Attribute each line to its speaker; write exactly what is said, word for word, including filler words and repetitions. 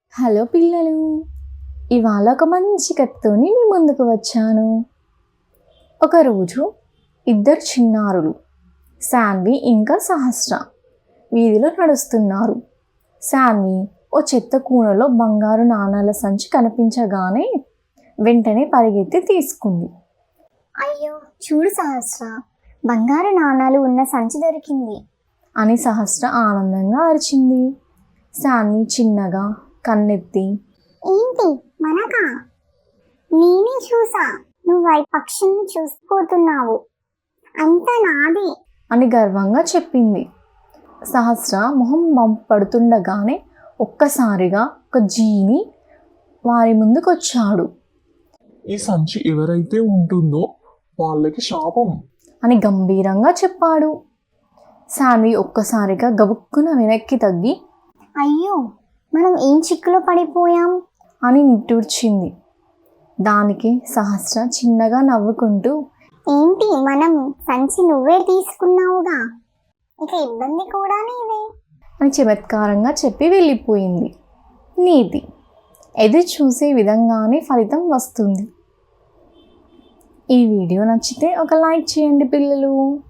Speaker 1: Hello పిల్లలు, ఇవాళ ఒక మంచి కథతోని మీ ముందుకు వచ్చాను. ఒకరోజు ఇద్దరు చిన్నారులు శాన్వి ఇంకా సహస్ర వీధిలో నడుస్తున్నారు. శాన్వి ఓ చెత్త కూనలో బంగారు నాణాల సంచి కనిపించగానే వెంటనే పరిగెత్తి తీసుకుంది.
Speaker 2: అయ్యో చూడు సహస్ర, బంగారు నాణాలు ఉన్న సంచి దొరికింది
Speaker 1: అని సహస్ర ఆనందంగా అరిచింది. శాన్వి చిన్నగా కన్నెత్తి,
Speaker 2: ఏంటి మనకా? నేనే చూసా, నువ్వు పక్షిని చూసిపోతున్నావు, అంతా నాది
Speaker 1: అని గర్వంగా చెప్పింది. సహస్ర మొహం వంపు పడుతుండగానే ఒక్కసారిగా ఒక జీని వారి ముందుకొచ్చాడు.
Speaker 3: ఈ సంచి ఎవరైతే ఉంటుందో వాళ్ళకి శాపం
Speaker 1: అని గంభీరంగా చెప్పాడు. శాన్వి ఒక్కసారిగా గబుక్కున వెనక్కి తగ్గి,
Speaker 2: అయ్యో మనం ఏం చిక్కులో పడిపోయాం
Speaker 1: అని నిట్టూర్చింది. దానికి సహస్ర చిన్నగా నవ్వుకుంటూ,
Speaker 2: ఏంటి మనం సంచి నువ్వే తీసుకున్నావుగా, ఇక ఇబ్బంది కూడా నీదే
Speaker 1: అని చమత్కారంగా చెప్పి వెళ్ళిపోయింది. నీతి: ఎదురు చూసే విధంగానే ఫలితం వస్తుంది. ఈ వీడియో నచ్చితే ఒక లైక్ చేయండి పిల్లలు.